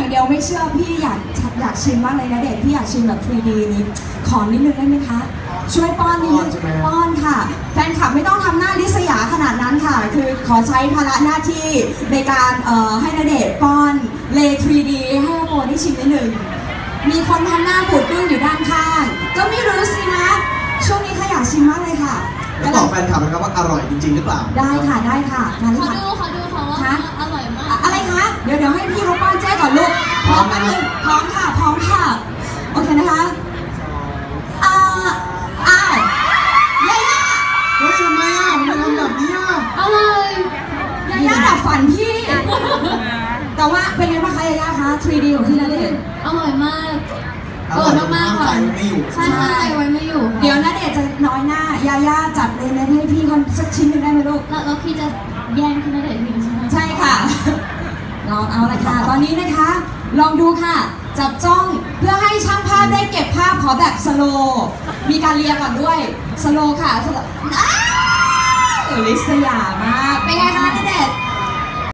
อย่างเดียวไม่เชื่อพี่อยากชิมมากเลยนะเด็กพี่อยากชิมแบบ 3D นี้ขอนิดนึงได้ไหมคะช่วยป้อนนิดนึงป้อนค่ะแฟนคลับไม่ต้องทำหน้าลิษยาขนาดนั้นค่ะคือขอใช้ภาระหน้าที่ในการให้ณเดชน์ป้อนเล 3D ให้โมได้ชิมนิดนึงมีคนทำหน้าบูดบึ้งอยู่ด้านข้างก็ไม่รู้สินะช่วงนี้ค่ะอยากชิมมากเลยค่ะแล้วบอกแฟนคลับนะครับว่าอร่อยจริงๆหรือเปล่าได้ค่ะได้ค่ะมาเลยขอค่ะดูค่ะว่าอร่อยมากอะไรคะเดี๋ยวให้พี่เขาป้อนแจ้ก่อนลูกพร้อมกันเลยพร้อมค่ะโอเคนะคะอ้าวยาย่าเฮ้ยทำไมทำแบบนี้อร่อยยาย่าดับฝันพี่แต่ว่าเป็นไงบ้างคะยาย่าคะ 3D ของพี่ณเดชน์อร่อยมากอร่อยมากค่ะไม่อยู่ใช่ไว้ไม่อยู่เดี๋ยวณเดชน์จะน้อยหน้ายาย่าจัดเลยนะให้พี่คนสักชิ้นหนึงได้ไหมลูกแล้วพี่จะแย่งพี่ณเดชน์ทิ้งใช่ไหมใช่ค่ะลองเอาเลยค่ะตอนนี้นะคะ ลองดูค่ะ จับจ้องเพื่อให้ช่างภาพได้เก็บภาพขอแบบสโลว์มีการเรียก่อนด้วยสโลว์ค่ะสโลว์ลิษยามากเป็นไงคะณเดชน์